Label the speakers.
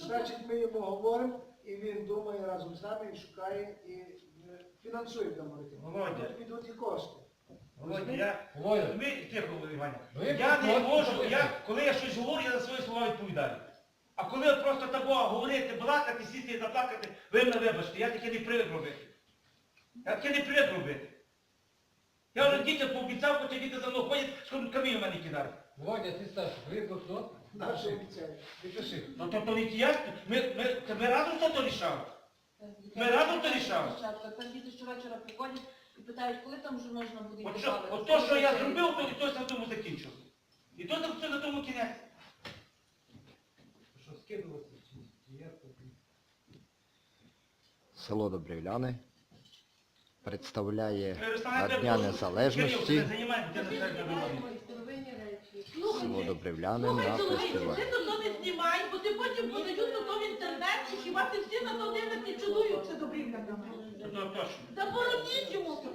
Speaker 1: Значить, ми йому говоримо, і він думає разом з нами, і шукає, і фінансує там маркетинг.
Speaker 2: Володя.
Speaker 1: Тут підуть і кошти.
Speaker 2: Володя, тихо, Іваня. Я не можу, коли я щось говорю, я за свої слова відповідаю. А коли от просто такого говорити, балакати, сісти і заплакати, ви мене вибачте, я таке не привик робити. Я таке не привик робити. Я вже дітям пообіцяв, хоча діти за мною ходять, щоб камінь в мене кидають.
Speaker 3: Володя, ти старший, ви хто?
Speaker 1: Наші обіцяють.
Speaker 3: Підпиши.
Speaker 2: Ну то не я, ми разом то рішали. Ми разом то рішали.
Speaker 4: Там діти щовечора приходять і питають, коли там вже можна буде
Speaker 2: От то, що я зробив, то і то на тому закінчив. І то все на тому кінець.
Speaker 3: Що, скидуватися? Чи як?
Speaker 5: Село Добрівляни представляє
Speaker 2: Руслана,
Speaker 5: на
Speaker 2: треба
Speaker 5: Дня
Speaker 2: було-
Speaker 5: Незалежності
Speaker 2: Кирил, це займає дитина середньої
Speaker 5: село Добрівляни на
Speaker 6: Слухай,
Speaker 5: фестивалі.
Speaker 6: ти то не знімай, бо ти потім подають то в інтернеті, хіба ти всі на то дивитися чудуються добрівлянами.
Speaker 2: Ну, точно.
Speaker 6: Забороніть йому то.